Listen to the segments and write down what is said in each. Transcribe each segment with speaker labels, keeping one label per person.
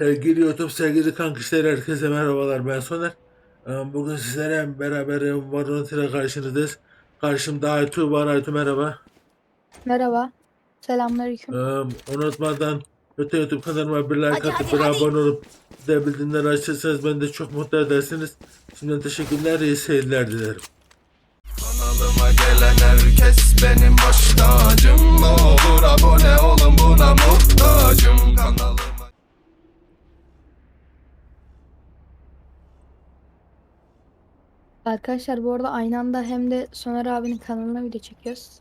Speaker 1: Sevgili YouTube, sevgili kankişler, herkese merhabalar. Ben Soner. Bugün sizlerle beraber Valorant ile karşınızdayız. Karşımda Aytu var. Aytu merhaba.
Speaker 2: Merhaba. Selamünaleyküm.
Speaker 1: Unutmadan lütfen YouTube kanalıma bir like
Speaker 3: Hadi
Speaker 1: atıp
Speaker 3: hadi
Speaker 1: bir
Speaker 3: hadi.
Speaker 1: abone olup bir de bildirimleri açarsanız beni de çok mutlu edersiniz. Şimdiden teşekkürler, iyi seyirler dilerim.
Speaker 4: Kanalıma gelen herkes benim baş tacım. Ne olur abone olun, buna muhtacım. Kanalıma
Speaker 2: Arkadaşlar bu arada aynı anda hem de Soner abinin kanalına video çekiyoruz.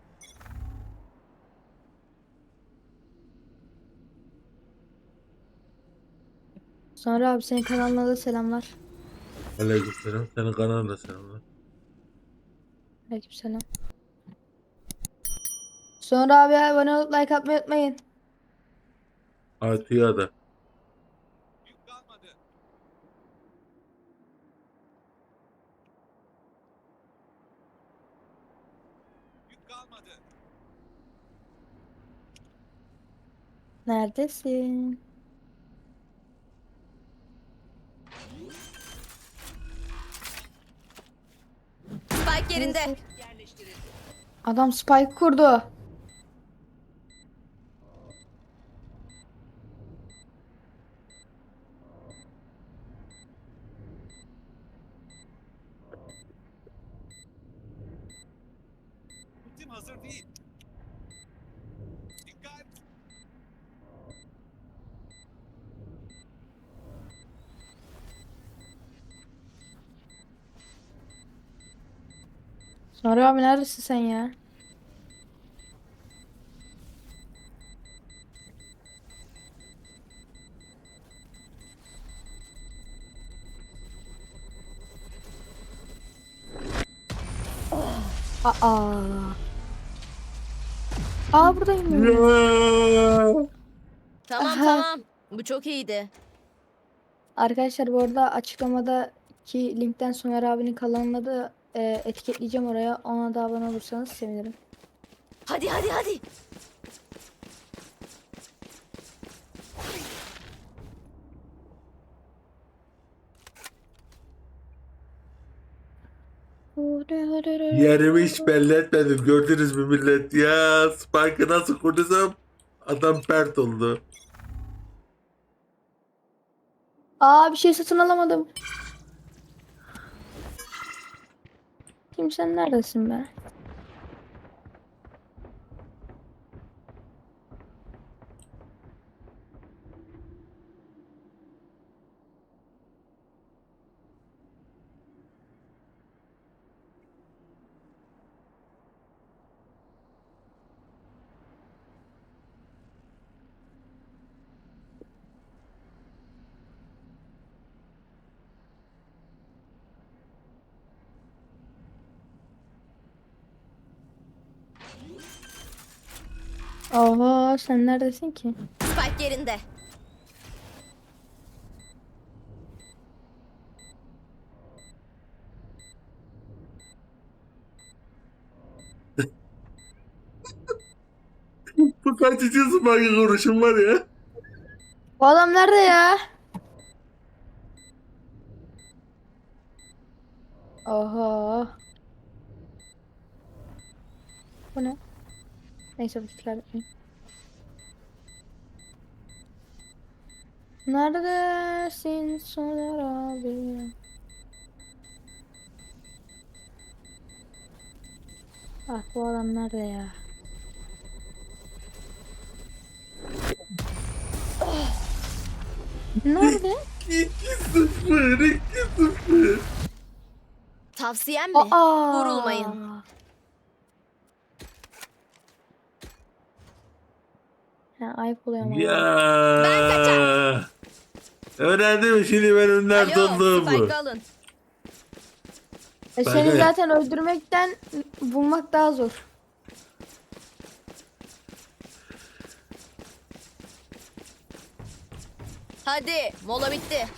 Speaker 2: Soner abi senin kanalına da selamlar.
Speaker 1: Aleykümselam. Senin kanalına selamlar.
Speaker 2: Aleykümselam. Soner abi abone olup like atmayı unutmayın.
Speaker 1: Aytu'ya da.
Speaker 2: Neredesin?
Speaker 3: Spike yerinde.
Speaker 2: Adam spike kurdu.
Speaker 4: ultim hazır değil. Dikkat.
Speaker 2: Soner abi neredesin sen ya? Aa. Aa buradayım.
Speaker 3: Tamam
Speaker 2: Aha.
Speaker 3: tamam. Bu çok iyiydi.
Speaker 2: Arkadaşlar bu arada açıklamadaki linkten Soner abinin kanalına da etiketleyeceğim oraya. Ona da abone olursanız sevinirim.
Speaker 3: Hadi hadi hadi.
Speaker 1: Yerimi hiç belli etmedim. Gördünüz mü millet? Ya Spike'ı nasıl kurduysam adam pert oldu.
Speaker 2: Aa bir şey satın alamadım. Kim sen neredesin be? Oha sen neredesin ki?
Speaker 3: Spike yerinde.
Speaker 1: Bu kaçıncı Spike kuruşum var ya?
Speaker 2: Bu adam nerede ya? Oha. Bu ne? Neyse bu tikler bitmeyin. Neredesin Soner abi? Ah bu adam nerede ya? Nerede?
Speaker 1: 2-0, 2-0.
Speaker 3: Tavsiyem mi?
Speaker 2: Aa.
Speaker 3: Vurulmayın.
Speaker 2: Ya ayıp oluyor ama.
Speaker 1: Ya.
Speaker 3: Ben kaçar.
Speaker 1: Öğrendim şimdi benim nerede
Speaker 3: Alo,
Speaker 1: olduğumu.
Speaker 3: Spike alın.
Speaker 2: Seni
Speaker 1: Bak-
Speaker 2: zaten öldürmekten bulmak daha zor.
Speaker 3: Hadi, mola bitti.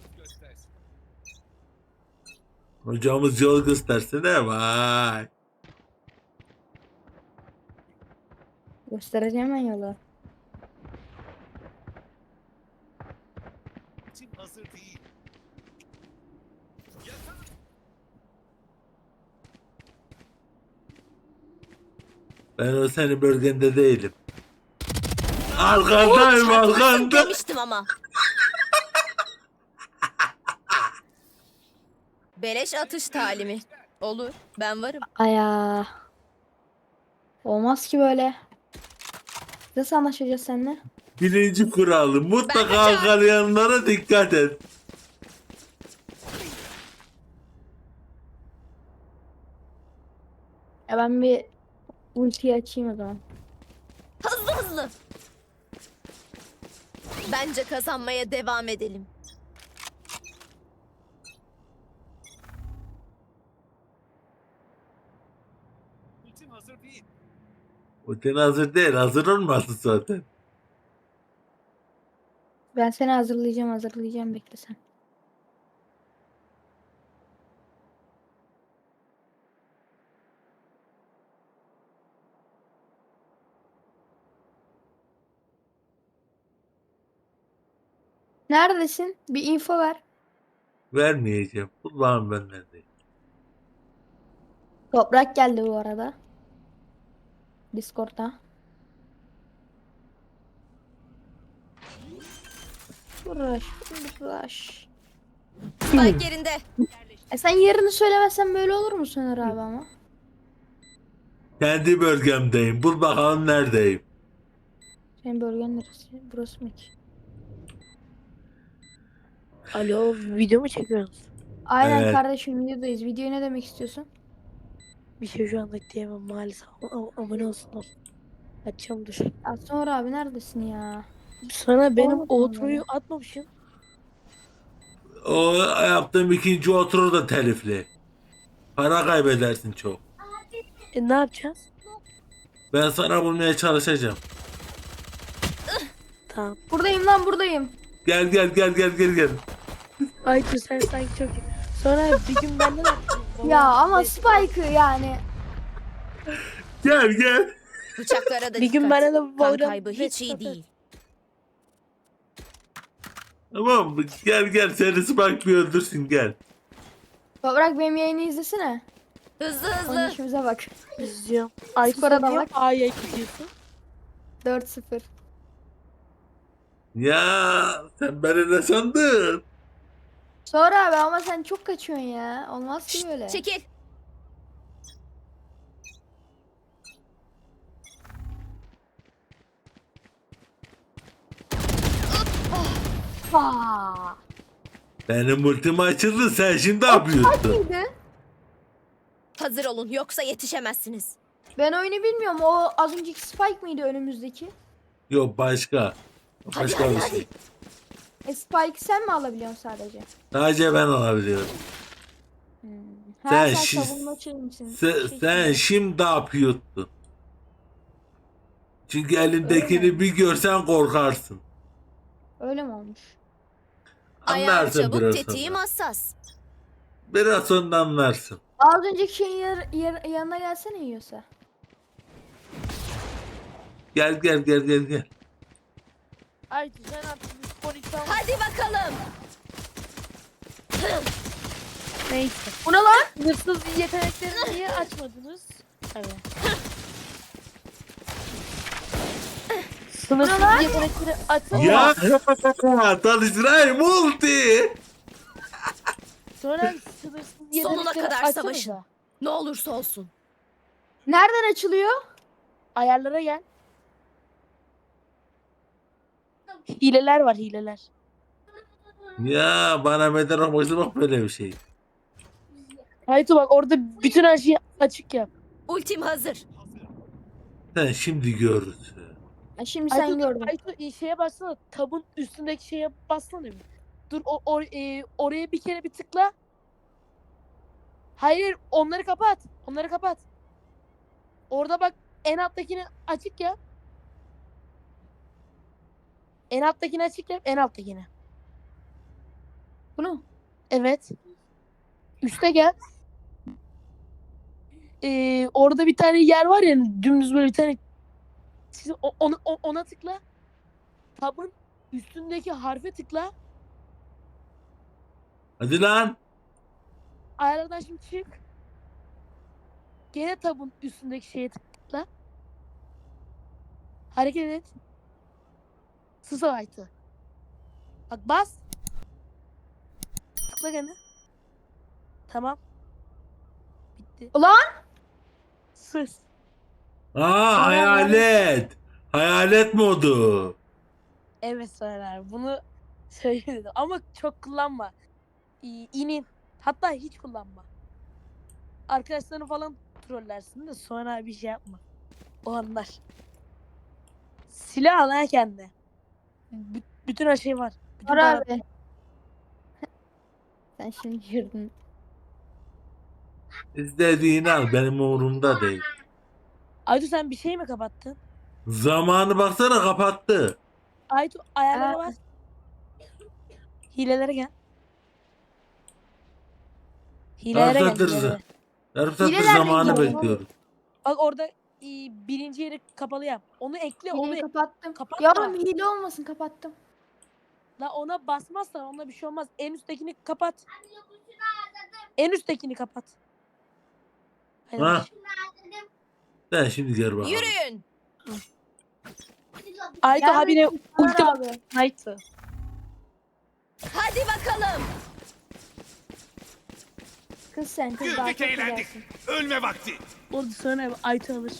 Speaker 1: Hocamız yol göstersene vay.
Speaker 2: Göstereceğim ben yolu.
Speaker 5: Ultim hazır değil.
Speaker 1: Ben o senin bölgende değilim. Arkandayım
Speaker 3: Çatlasın
Speaker 1: arkanda.
Speaker 3: demiştim ama. Beleş atış talimi. Olur. Ben varım.
Speaker 2: Aya. Olmaz ki böyle. Nasıl anlaşacağız seninle?
Speaker 1: Birinci kuralı mutlaka
Speaker 3: kaçar.
Speaker 1: arkalayanlara dikkat et.
Speaker 2: Ya ben bir ultiyi açayım o zaman.
Speaker 3: Hızlı hızlı. Bence kazanmaya devam edelim.
Speaker 5: Ultim hazır değil.
Speaker 1: O senin hazır değil. Hazır olmasın zaten.
Speaker 2: Ben seni hazırlayacağım bekle sen. Neredesin? Bir info ver.
Speaker 1: Vermeyeceğim. Kulağım benden değil.
Speaker 2: Toprak geldi bu arada. Discord'da. Uğraş.
Speaker 3: Spike yerinde.
Speaker 2: Sen yerini söylemezsen böyle olur mu Soner abi ama?
Speaker 1: Kendi bölgemdeyim. Bul bakalım neredeyim.
Speaker 2: Senin bölgen neresi? Burası mı ki?
Speaker 6: Alo, video mu çekiyorsunuz?
Speaker 2: Aynen
Speaker 1: Evet.
Speaker 2: kardeşim videodayız. Videoya ne demek istiyorsun?
Speaker 6: Bir şey şu anda diyemem maalesef. Abone olsunlar. Açacağım dur.
Speaker 2: Ya Soner abi neredesin ya?
Speaker 6: Sana benim
Speaker 2: Olmadı
Speaker 6: outro'yu
Speaker 2: mı?
Speaker 6: atmamışım.
Speaker 1: O yaptığım ikinci oturur da telifli. Para kaybedersin çok.
Speaker 6: Ne yapacağız?
Speaker 1: Ben sana bulmaya çalışacağım.
Speaker 6: Tamam.
Speaker 2: Buradayım lan buradayım.
Speaker 1: Gel.
Speaker 6: Ay dur sen sanki çok iyi. Sonra bir gün benden attın.
Speaker 2: Ya ama Spike'ı yani.
Speaker 1: Gel.
Speaker 3: Bıçaklara da
Speaker 6: Bir gün
Speaker 3: dikkat.
Speaker 6: bana da
Speaker 3: Kan
Speaker 6: Valorant
Speaker 3: kaybı hiç iyi
Speaker 6: atar.
Speaker 3: değil.
Speaker 1: Tamam mı? Gel seni Spike bir öldürsün gel.
Speaker 2: Toprak benim yayını izlesene.
Speaker 3: Hızlı hızlı.
Speaker 2: Oynayışımıza bak.
Speaker 6: İzliyorum. Ay
Speaker 2: Skora da
Speaker 6: sen niye
Speaker 2: bak.
Speaker 6: A'ya gidiyorsun?
Speaker 2: 4-0.
Speaker 1: Ya sen beni ne sandın?
Speaker 2: Sonra abi ama sen çok kaçıyorsun ya. Olmaz ki böyle.
Speaker 3: Çekil.
Speaker 2: Aa.
Speaker 1: Benim ultim açıldı sen şimdi ne yapıyorsun?
Speaker 2: Neydi?
Speaker 3: Hazır olun yoksa yetişemezsiniz.
Speaker 2: Ben oyunu bilmiyorum. O az önceki Spike mıydı önümüzdeki?
Speaker 1: Yok başka. Başka
Speaker 3: hadi,
Speaker 1: bir
Speaker 3: hadi.
Speaker 1: şey.
Speaker 2: Spike'ı sen mi alabiliyorsun sadece?
Speaker 1: Sadece ben alabiliyorum.
Speaker 2: Ha,
Speaker 1: Sen
Speaker 2: sen
Speaker 1: şi-
Speaker 2: savunmacı mısın?
Speaker 1: Sen şimdi ne yapıyorsun? Çünkü elindekini bir görsen korkarsın.
Speaker 2: Öyle mi olmuş?
Speaker 3: Ayağım
Speaker 1: Anlarsın
Speaker 3: çabuk,
Speaker 1: biraz
Speaker 3: tetiğim
Speaker 1: sonra.
Speaker 3: hassas.
Speaker 1: Biraz sonra anlarsın.
Speaker 2: Az önceki şeyin yanına gelsene yiyorsa.
Speaker 1: Gel.
Speaker 6: Ay dur sen artık bir spor insan.
Speaker 3: Hadi bakalım.
Speaker 6: Neyse.
Speaker 2: Bu ne lan?
Speaker 6: Sınırsız yeteneklerini niye açmadınız? Evet. Sınırsız yetenekleri açsana.
Speaker 1: Ya tanıştırayım multi.
Speaker 6: Sonra sınırsız yetenekleri
Speaker 3: Sonuna kadar
Speaker 6: açsanıza.
Speaker 3: savaşın. Ne olursa olsun.
Speaker 2: Nereden açılıyor?
Speaker 6: Ayarlara gel. Hileler var hileler.
Speaker 1: Ya bana meden olması bak böyle bir şey.
Speaker 6: Haytu bak orada bütün her şeyi açık yap.
Speaker 3: Ultim hazır.
Speaker 1: Sen şimdi görürsün.
Speaker 2: Ha, şimdi sen gördün.
Speaker 6: Haytu şeye bassana. Tabun üstündeki şeye bassana bir. Dur oraya bir kere bir tıkla. Hayır onları kapat. Onları kapat. Orada bak en alttakini açık yap. En alttakini açık yap. En alttakini.
Speaker 2: Bunu.
Speaker 6: Evet. Üste gel. Orada bir tane yer var ya dümdüz böyle bir tane. Ona tıkla. Tabın üstündeki harfe tıkla.
Speaker 1: Hadi lan.
Speaker 6: Ayarlardan şimdi çık. Gene tabun üstündeki şeye tıkla. Hareket et. Sısa aytı. Bak bas. Tıkla gene. Tamam. Bitti.
Speaker 2: Ulan!
Speaker 6: Sus.
Speaker 1: Aa, hayalet. Hayalet modu.
Speaker 6: Evet Soner bunu söyledim ama çok kullanma. İnin. Hatta hiç kullanma. Arkadaşlarını falan trollersin de sonra bir şey yapma. O anlar. Silah al ha kendine. Bütün her şey var. Bütün
Speaker 2: Var
Speaker 6: para-
Speaker 2: abi. Sen şimdi girdin.
Speaker 1: İstediğini al, benim umurumda değil.
Speaker 6: Aytu sen bir şey mi kapattın?
Speaker 1: Zamanı baksana, kapattı.
Speaker 6: Aytu ayarlara
Speaker 2: Aa.
Speaker 6: bas. Hilelere gel. Hilelere gel.
Speaker 1: Başlatırız.
Speaker 6: hilelere.
Speaker 1: Yarım saattir
Speaker 2: Hilelerle
Speaker 1: zamanı
Speaker 2: gidiyorum.
Speaker 1: bekliyoruz.
Speaker 6: Bak orada birinci yeri kapalı yap. Onu ekle onu
Speaker 2: Hileyi kapattım.
Speaker 6: kapat
Speaker 2: Ya
Speaker 6: da.
Speaker 2: oğlum hile olmasın, kapattım.
Speaker 6: La ona basmazsan onunla bir şey olmaz. En üsttekini kapat. En üsttekini kapat. Hadi
Speaker 1: Ha.
Speaker 6: bak.
Speaker 1: Sen şimdi gel bakalım.
Speaker 3: Yürüyün.
Speaker 6: Aytu
Speaker 2: Gel
Speaker 6: habire
Speaker 2: bakayım, Soner
Speaker 6: ulti
Speaker 2: abi.
Speaker 6: bak. Aytu.
Speaker 3: Hadi bakalım.
Speaker 2: Kız sen kız daha
Speaker 5: Güldük
Speaker 2: çok
Speaker 5: eğlendik.
Speaker 2: güzelsin.
Speaker 5: Ölme vakti.
Speaker 6: Orada sonra Aytu alır.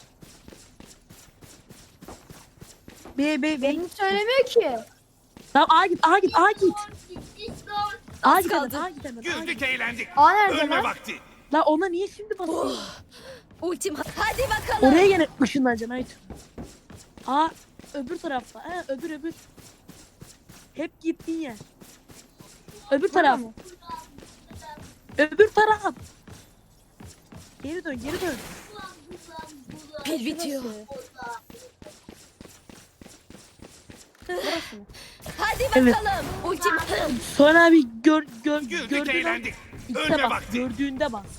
Speaker 6: Be.
Speaker 2: Beni söylemiyor ki.
Speaker 6: Tamam A git A git A git. A git hemen
Speaker 3: kaldı.
Speaker 6: A git hemen. A git.
Speaker 5: Güldük eğlendik.
Speaker 2: Aa nerede
Speaker 5: Ölme
Speaker 2: lan?
Speaker 5: vakti.
Speaker 6: La ona niye şimdi basıyorsun?
Speaker 3: Ultim. Hadi bakalım.
Speaker 6: Oraya gene ışınlanacaksın Aytu. A öbür tarafta. Ha öbür. Hep gittiğin yer. Öbür taraf.
Speaker 2: mı?
Speaker 6: Öbür taraf. Geri dön.
Speaker 3: Pil bitiyor.
Speaker 2: Burası mı?
Speaker 3: Hadi
Speaker 6: Evet.
Speaker 3: bakalım. Ultim.
Speaker 6: Sonra abi
Speaker 5: Güldük
Speaker 6: gördüğün an
Speaker 5: eğlendik.
Speaker 6: İşte
Speaker 5: Ölme
Speaker 6: bak,
Speaker 5: vakti.
Speaker 6: gördüğünde bas.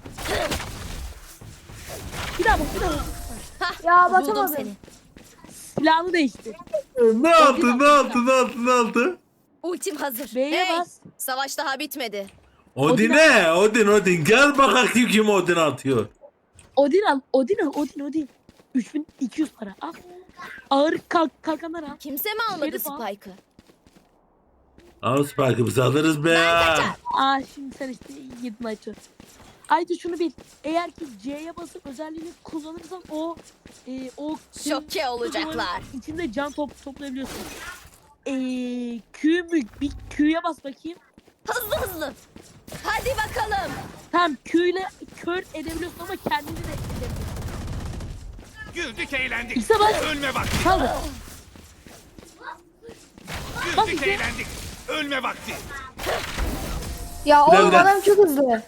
Speaker 6: Bir daha bak.
Speaker 2: Ya
Speaker 3: Buldum
Speaker 2: basamadım.
Speaker 3: seni.
Speaker 6: Silahını değiştir.
Speaker 1: Ne yaptı?
Speaker 3: Ultim hazır.
Speaker 6: B'ye
Speaker 3: Hey,
Speaker 6: bas.
Speaker 3: savaş daha bitmedi.
Speaker 1: Odin'e, Odin. Gel bakayım kim Odin atıyor.
Speaker 6: Odin al. Odin. 3200 para. Al. Ağır kalkanlar al.
Speaker 3: Kimse mi almadı
Speaker 6: Şerif al.
Speaker 3: Spike'ı?
Speaker 1: Al Spike'ı biz alırız be
Speaker 3: Ben
Speaker 1: ya.
Speaker 3: kaçar.
Speaker 6: Aa şimdi sen işte yedin Aytu. Aytu şunu bil. Eğer ki C'ye basıp özelliğini kullanırsan o
Speaker 3: Şoke olacaklar.
Speaker 6: içinde can toplayabiliyorsun. Q mü? Bir Q'ya bas bakayım.
Speaker 3: Hızlı. Hadi bakalım.
Speaker 6: Tamam Q ile kör edebiliyorsun ama kendini de edebiliyorsun.
Speaker 5: Güldük eğlendik.
Speaker 6: İkisi bas.
Speaker 5: Ölme vakti.
Speaker 6: Kaldır. Bak
Speaker 5: Güldük
Speaker 6: işte.
Speaker 5: eğlendik. Ölme vakti.
Speaker 2: Ya oğlum
Speaker 1: Nerede?
Speaker 2: adam çok hızlı.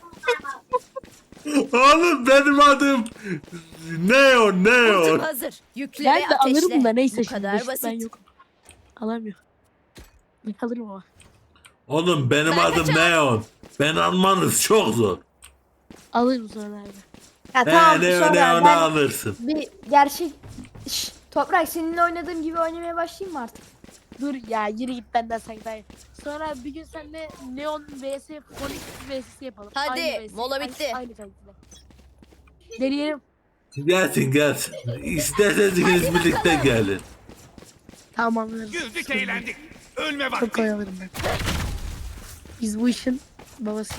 Speaker 1: Oğlum benim adım Neon.
Speaker 3: Ultim hazır. Yükle
Speaker 6: Ben
Speaker 3: ve
Speaker 6: de
Speaker 3: ateşle.
Speaker 6: alırım da neyse
Speaker 3: Bu
Speaker 6: şimdi.
Speaker 3: kadar
Speaker 6: Ben
Speaker 3: basit.
Speaker 6: yokum. Alamıyorum. Ben alırım ama.
Speaker 1: Oğlum benim
Speaker 3: Ben
Speaker 1: adım
Speaker 3: kaçar.
Speaker 1: Neon. Ben almanız çok zor.
Speaker 6: Alırım sonra abi.
Speaker 2: Ya tamam
Speaker 1: Neon
Speaker 2: sonra
Speaker 1: Neon'u
Speaker 2: ben
Speaker 1: alırsın.
Speaker 2: bir gerçek... Şşş, Toprak seninle oynadığım gibi oynamaya başlayayım mı artık?
Speaker 6: Dur ya yürü git benden sanki daha iyi. Sonra bir gün seninle Neon vs Phoenix vs yapalım.
Speaker 3: Hadi,
Speaker 6: Aynı vs,
Speaker 3: mola bitti.
Speaker 6: Aynı kalitede. Deneyelim.
Speaker 1: Gelsin. İsterseniz ikiniz birlikte gelin.
Speaker 6: Tamam alırım.
Speaker 5: Güldük eğlendik. Ölme
Speaker 6: Çok
Speaker 5: vakti.
Speaker 6: kolay alırım ben. Biz bu işin babası.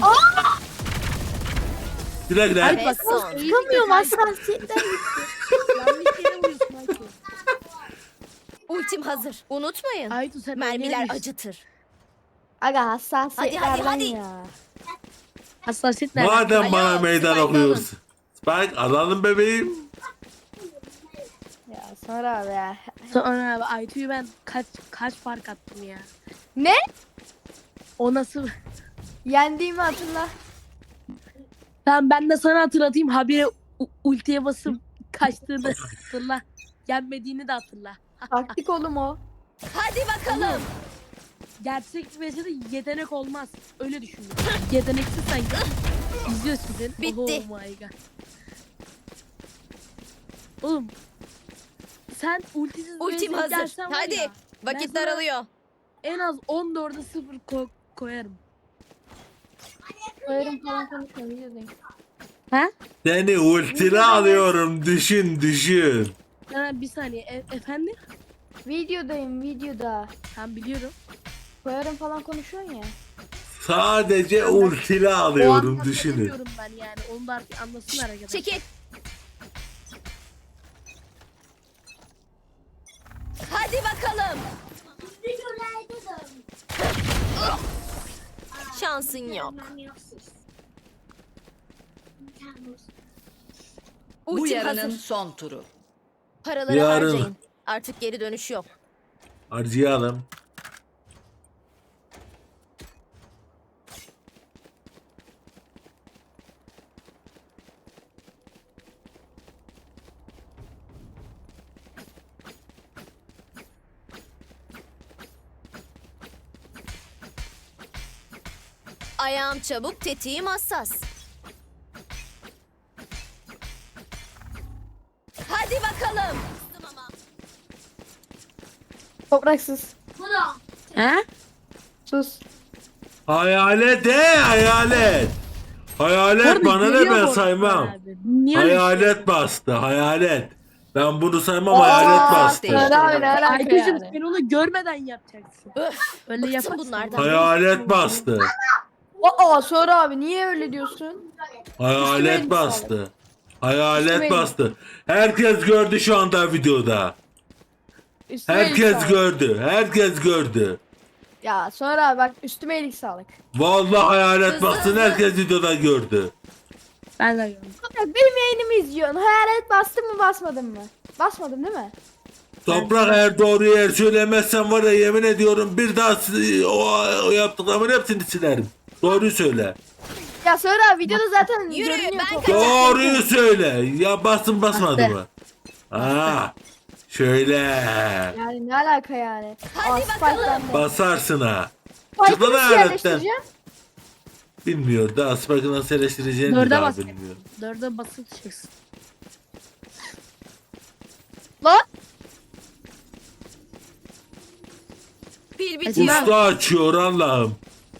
Speaker 1: Güle
Speaker 6: Ay
Speaker 1: güle.
Speaker 6: bak
Speaker 3: son.
Speaker 2: Çıkamıyorum hassasiyetten.
Speaker 6: yanlış yere vuruyorsun Aytu.
Speaker 3: Ultim hazır. Unutmayın.
Speaker 6: Aytu sen
Speaker 3: Mermiler
Speaker 6: oynayamıyorsun.
Speaker 3: acıtır.
Speaker 2: Aga hassasiyetlerden
Speaker 3: hadi.
Speaker 2: ya.
Speaker 6: Hassasiyet nerede?
Speaker 1: Madem
Speaker 3: Alo,
Speaker 1: bana meydan
Speaker 3: Spike
Speaker 1: okuyorsun. Spike alalım bebeğim.
Speaker 2: Ya sonra abi ya.
Speaker 6: Sonra abi Aytu'yu ben kaç fark attım ya.
Speaker 2: Ne?
Speaker 6: O nasıl?
Speaker 2: Yendiğimi hatırla.
Speaker 6: Tamam ben de sana hatırlatayım. Habire ultiye basıp kaçtığını hatırla. Yenmediğini de hatırla.
Speaker 2: Taktik oğlum o.
Speaker 3: Hadi bakalım.
Speaker 6: Gerçek bir de yetenek olmaz. Öyle düşündüm. Yeteneksiz sanki. İzliyorsun sen.
Speaker 3: Bitti.
Speaker 6: Oh my god. Oğlum. Sen ultisiz
Speaker 3: Ultim
Speaker 6: bir
Speaker 3: hazır.
Speaker 6: gelsen var
Speaker 3: Hadi.
Speaker 6: ya, ben
Speaker 3: Vakit
Speaker 6: sana
Speaker 3: daralıyor.
Speaker 6: En az 14'e 0 koyarım.
Speaker 2: Koyarım falan konuşma videodayım.
Speaker 6: Ha?
Speaker 1: Seni ultili alıyorum, düşün.
Speaker 6: Ha, bir saniye. Efendim?
Speaker 2: Videodayım videoda.
Speaker 6: Ben biliyorum.
Speaker 2: Koyarım falan konuşuyorsun ya.
Speaker 1: Sadece ultili
Speaker 6: O
Speaker 1: alıyorum,
Speaker 6: anlamda
Speaker 1: düşünün.
Speaker 6: demiyorum ben yani. Onu da artık anlasınlar arkadaşlar.
Speaker 3: Çekil. Hadi bakalım. Şansın yok.
Speaker 7: Bu
Speaker 3: Ultim
Speaker 7: yarının
Speaker 3: hazır.
Speaker 7: son turu.
Speaker 3: Paraları
Speaker 1: Yarın.
Speaker 3: harcayın. Artık geri dönüş yok.
Speaker 1: Harcayalım.
Speaker 3: Ayağım çabuk, tetiğim hassas. Hadi bakalım.
Speaker 2: Topraksız.
Speaker 6: Ha?
Speaker 2: Sus.
Speaker 1: Hayalet hayalet. Hayalet bana ne, ben saymam.
Speaker 6: Niye
Speaker 1: Hayalet bastı, hayalet. Ben bunu saymam, hayalet bastı.
Speaker 7: değişti.
Speaker 2: Söyle abi ne alaka
Speaker 6: Arkadaşım
Speaker 2: yani?
Speaker 6: sen onu görmeden yapacaksın.
Speaker 3: Öf,
Speaker 6: Öyle
Speaker 3: bıktım
Speaker 6: yaparsın.
Speaker 3: bunlardan.
Speaker 1: Hayalet bastı.
Speaker 2: Sonra abi niye öyle diyorsun?
Speaker 1: Hayalet
Speaker 2: Üstüme
Speaker 1: bastı. Hayalet
Speaker 2: Üstüme
Speaker 1: bastı. Herkes gördü şu anda videoda.
Speaker 2: Üstüme iyilik
Speaker 1: Herkes
Speaker 2: sağlık.
Speaker 1: gördü. Herkes gördü.
Speaker 2: Ya sonra abi bak üstüme iyilik sağlık.
Speaker 1: Vallahi hayalet
Speaker 3: Hızlı,
Speaker 1: bastı.
Speaker 3: hızlı.
Speaker 1: Herkes videoda gördü.
Speaker 6: Ben de gördüm.
Speaker 2: Bak benim yayınımı izliyorsun. Hayalet bastın mı basmadın mı? Basmadım değil mi?
Speaker 1: Toprak, eğer doğruyu eğer söylemezsen var ya, yemin ediyorum bir daha o yaptıklarımın hepsini silerim. Doğruyu söyle.
Speaker 2: Ya sonra abi videoda zaten
Speaker 3: Yürü,
Speaker 2: görünüyor.
Speaker 3: ben
Speaker 2: Toprak.
Speaker 3: kaçar.
Speaker 1: Doğruyu söyle. Ya bastın basmadı
Speaker 6: Bastı.
Speaker 1: mı? Şöyle.
Speaker 2: Yani ne alaka yani?
Speaker 3: Hadi
Speaker 2: Spike
Speaker 3: bakalım.
Speaker 2: bende.
Speaker 1: Basarsın ha.
Speaker 2: Spike'ı
Speaker 1: Çık lan
Speaker 2: nasıl
Speaker 1: hayaletten.
Speaker 2: yerleştireceğim?
Speaker 1: Bilmiyor. Daha Spike'ı nasıl eleştireceğini de
Speaker 6: Dörde
Speaker 1: daha
Speaker 6: bas.
Speaker 1: bilmiyor.
Speaker 6: 4'e basıp çıkacaksın.
Speaker 2: Lan
Speaker 3: Pil bitiyor.
Speaker 1: Usta açıyor Allah'ım.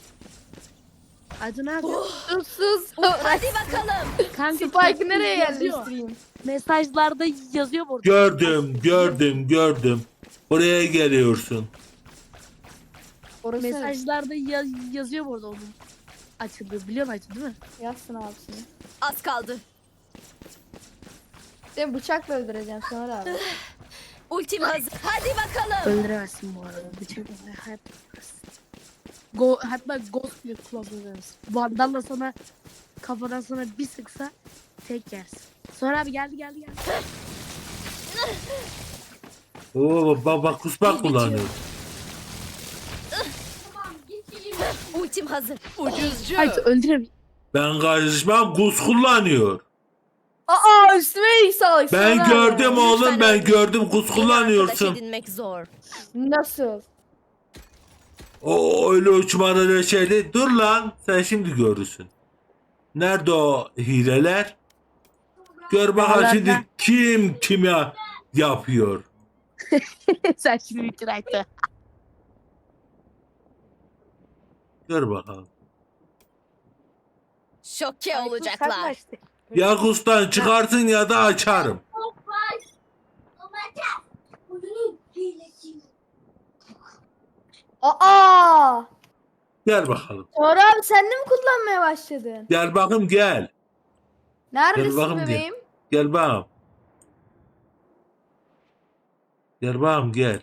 Speaker 6: Aydın abi.
Speaker 2: sus.
Speaker 3: Hadi bakalım.
Speaker 6: Kanka
Speaker 2: Spike'ı nereye
Speaker 6: yazıyor.
Speaker 2: yerleştireyim?
Speaker 6: Mesajlarda yazıyor burada.
Speaker 1: Gördüm. Buraya geliyorsun.
Speaker 2: Orası
Speaker 6: Mesajlarda yazıyor burada onun açıldığı. Biliyorsun Aydın değil mi?
Speaker 2: yazsın abisini.
Speaker 3: Az kaldı.
Speaker 2: Seni bıçakla öldüreceğim sonra abi.
Speaker 3: Ultim hazır. Hadi bakalım.
Speaker 6: Öldüremezsin bu arada. Bıçak hatta ghost bile kullanamazsın. Vandal'la sana kafadan sana bir sıksa tek yersin. Sonra abi geldi.
Speaker 1: Oo bak kuspak kullanıyor.
Speaker 3: Ultim hazır. Ucuzcu.
Speaker 6: Hayır öldüremiyorum.
Speaker 1: Ben karışmam, kus kullanıyor.
Speaker 2: Üstüme iyilik sağlık.
Speaker 1: Ben
Speaker 2: sonra
Speaker 1: gördüm
Speaker 2: abi.
Speaker 1: oğlum,
Speaker 3: Lütfen
Speaker 1: ben
Speaker 3: ölme.
Speaker 1: gördüm, kus
Speaker 3: Yeni arkadaş
Speaker 1: kullanıyorsun.
Speaker 3: edinmek zor.
Speaker 2: Nasıl?
Speaker 1: O öyle uçmadan öyle şeydi. Dur lan, sen şimdi görürsün. Nerede o hileler? Gör bakalım
Speaker 6: Vallahi
Speaker 1: şimdi
Speaker 6: ben-
Speaker 1: kim kime yapıyor.
Speaker 6: Sen şimdi bitir Aydın.
Speaker 1: Gör bakalım.
Speaker 3: Şoke
Speaker 6: Sen
Speaker 3: olacaklar.
Speaker 6: işte.
Speaker 1: Ya kustan çıkarsın ya da açarım. Gel bakalım.
Speaker 2: Sonra abi sen de mi kullanmaya başladın?
Speaker 1: Gel bakayım gel.
Speaker 2: Neredesin
Speaker 1: bakayım diye.
Speaker 2: bebeğim?
Speaker 1: Gel bakayım. Gel bakayım gel.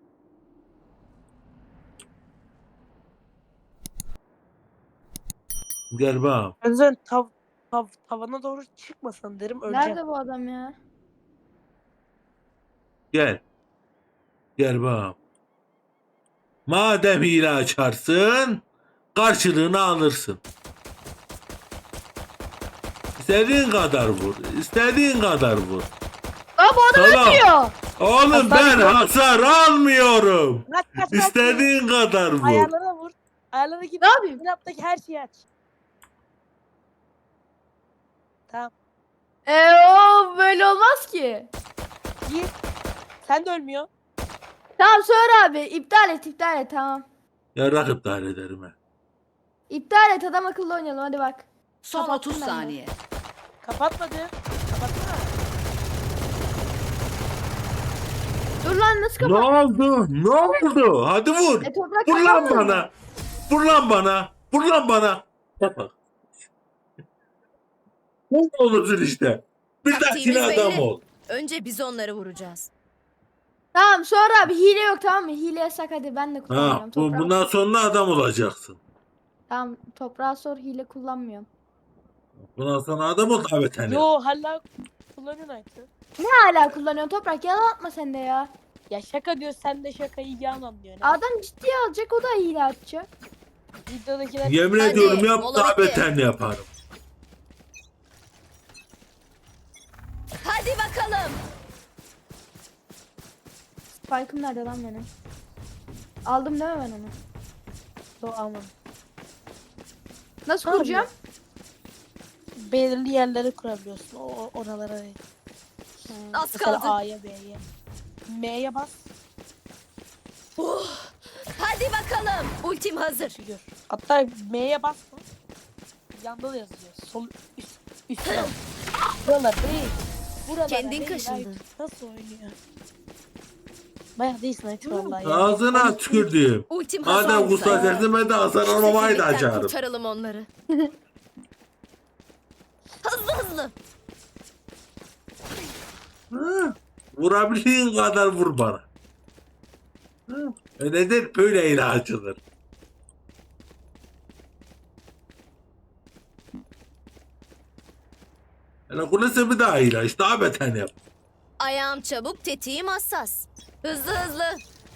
Speaker 1: Gel bakayım.
Speaker 6: Önden tavana doğru çıkmasan derim öleceğim.
Speaker 2: Nerede bu adam ya?
Speaker 1: Gel. Gel bakayım. Madem hile açarsın, karşılığını alırsın. İstediğin kadar vur. İstediğin kadar vur.
Speaker 2: Aa bu adam
Speaker 1: Tamam.
Speaker 2: ötüyor.
Speaker 1: Oğlum ben hasar almıyorum.
Speaker 6: Kaç.
Speaker 1: İstediğin kadar vur.
Speaker 6: Ayarlara vur. Ayarlara git.
Speaker 2: Ne yapayım?
Speaker 6: Laptaki her şeyi aç. Tamam.
Speaker 2: O böyle olmaz ki.
Speaker 6: Gir. Sen de ölmüyor.
Speaker 2: Tamam sonra abi iptal et tamam.
Speaker 1: Ya rakip iptal ederim ha.
Speaker 2: İptal et, adam akıllı oynayalım hadi bak.
Speaker 7: Son
Speaker 2: Kapattım
Speaker 7: 30
Speaker 2: ben de.
Speaker 7: saniye.
Speaker 6: Kapatmadı. Kapatsana.
Speaker 2: Dur lan, nasıl
Speaker 1: Ne
Speaker 2: kapat?
Speaker 1: oldu? Ne oldu? Hadi vur.
Speaker 2: Toprak
Speaker 1: Vur lan
Speaker 2: kapanmadı mı?
Speaker 1: bana. Vur lan bana. Vur lan bana. Yapma. Ne olursun işte. Bir
Speaker 3: Taktiğimiz
Speaker 1: dahakine adam
Speaker 3: belli.
Speaker 1: ol.
Speaker 3: Önce biz onları vuracağız.
Speaker 2: Tamam, sonra abi hile yok, tamam mı? Hile yasak, hadi ben de
Speaker 1: Ha,
Speaker 2: kullanmıyorum. Toprağa
Speaker 1: bundan sonra adam olacaksın.
Speaker 2: Tamam, toprağa sor, hile kullanmıyorum.
Speaker 1: Bundan sonra adam ol davet hani.
Speaker 6: Yo hala kullanıyorsun Aytu.
Speaker 2: Ne hala kullanıyorsun toprak, yalan atma sen de ya.
Speaker 6: Ya şaka diyor, sen de şakayı yalan diyor.
Speaker 2: Adam ciddiye alacak, o da hile atacak.
Speaker 6: Videodakiler
Speaker 1: Yemin
Speaker 3: Hadi,
Speaker 1: ediyorum yap
Speaker 3: mola
Speaker 1: daha
Speaker 3: bitti.
Speaker 1: beterini yaparım.
Speaker 3: Hadi bakalım.
Speaker 2: Spike'ım nerede lan benim? Aldım değil mi ben onu?
Speaker 6: Yo, aman.
Speaker 2: Nasıl
Speaker 6: Tamam
Speaker 2: kuracağım?
Speaker 6: Belirli yerlere kurabiliyorsun. Oralara değil.
Speaker 3: Az
Speaker 6: Mesela
Speaker 3: kaldı.
Speaker 6: A'ya B'ye. M'ye bas.
Speaker 3: Hadi bakalım. Ultim hazır.
Speaker 6: Figür. Hatta M'ye basma. Yanda da yazıyor. Sol üst taraf. Buralar değil. Buralara
Speaker 3: Kendin
Speaker 6: değil.
Speaker 3: kaşındın.
Speaker 6: Ay, nasıl oynuyor? Bayağı değilsin Aytu vallahi. ya.
Speaker 1: Ağzına tükürdüğüm.
Speaker 3: Ultim hazır.
Speaker 1: Madem
Speaker 3: olsa
Speaker 1: kusura
Speaker 3: eğer.
Speaker 1: dersin ben de hasar
Speaker 3: Şu
Speaker 1: almamayı da
Speaker 3: sefillikten
Speaker 1: açarım.
Speaker 3: kurtaralım onları. Hızlı hızlı.
Speaker 1: Ha, vurabildiğin kadar vur bana. Ha, nedir böyle ile açılır. Hele kulesi bir daha ilaç daha beter yap.
Speaker 3: Ayağım çabuk, tetiğim hassas. Hızlı hızlı.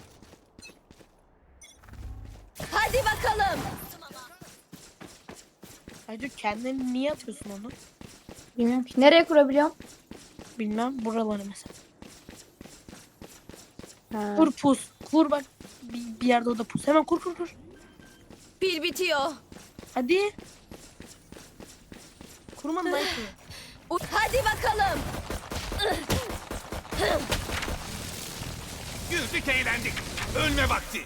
Speaker 3: Hadi bakalım.
Speaker 6: Aytu kendini niye atıyorsun onu?
Speaker 2: Bilmiyorum ki. Nereye kurabiliyorum?
Speaker 6: Bilmem, buraları mesela.
Speaker 2: Ha.
Speaker 6: Kur pus. Kur bak. Bir yerde o da pus. Hemen kur.
Speaker 3: Pil bitiyor.
Speaker 6: Hadi. Kurmadın Aytu.
Speaker 3: Hadi bakalım.
Speaker 5: Güldük eğlendik. Ölme vakti.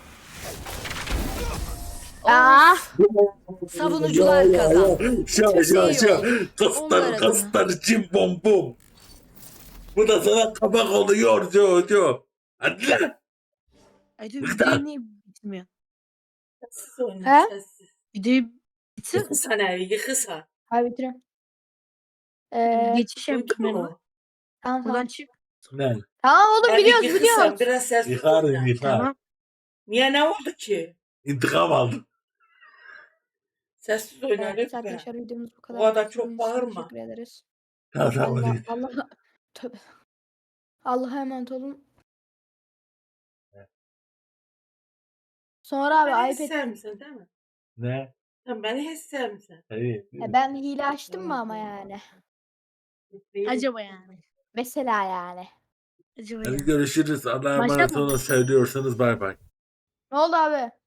Speaker 2: Aa,
Speaker 7: Savunucular kazandı.
Speaker 3: Onlar
Speaker 1: Kastar cim bom bom. Bu da sana kabak oluyor yo. Hadi lan.
Speaker 6: Aytu videoyu niye bitmiyor?
Speaker 8: Sessiz oyna,
Speaker 2: He?
Speaker 8: sessiz.
Speaker 6: Videoyu bitsin.
Speaker 8: Yıkısa ne? Yıkısa.
Speaker 2: hadi bitiriyorum.
Speaker 6: Geçiş yap
Speaker 8: Duydun
Speaker 6: kamerama.
Speaker 8: mu?
Speaker 2: Tamam
Speaker 6: Buradan
Speaker 2: tamam.
Speaker 6: çık.
Speaker 1: Ne?
Speaker 2: Tamam oğlum,
Speaker 8: Hadi
Speaker 2: biliyoruz
Speaker 8: yıkısa,
Speaker 2: biliyoruz.
Speaker 8: biraz sessiz
Speaker 1: Yıkarım
Speaker 8: oyna.
Speaker 1: yıkar.
Speaker 6: Tamam.
Speaker 8: Niye, ne oldu ki?
Speaker 1: İntikam aldım.
Speaker 8: Sessiz oyna
Speaker 2: Evet
Speaker 8: lütfen.
Speaker 2: arkadaşlar, videomuz bu kadar.
Speaker 8: Bu kadar çok
Speaker 2: İzlediğiniz için
Speaker 8: bağırma.
Speaker 2: Teşekkür ederiz.
Speaker 1: Tamam.
Speaker 2: Tövbe. Allah'a emanet olun. Sonra
Speaker 8: Beni
Speaker 2: abi
Speaker 8: hiç
Speaker 2: iPad.
Speaker 8: sevmiyorsun değil mi?
Speaker 1: Ne?
Speaker 8: Sen beni hiç sevmiyorsun.
Speaker 1: Hayır.
Speaker 2: Ben hile açtım mı ama yani?
Speaker 6: Acaba yani.
Speaker 2: Mesela yani.
Speaker 6: Acaba
Speaker 1: Hadi
Speaker 6: yani.
Speaker 1: görüşürüz. Allah'a emanet
Speaker 6: Başlatma.
Speaker 1: olun. Seviyorsanız bay bay.
Speaker 2: Ne oldu abi?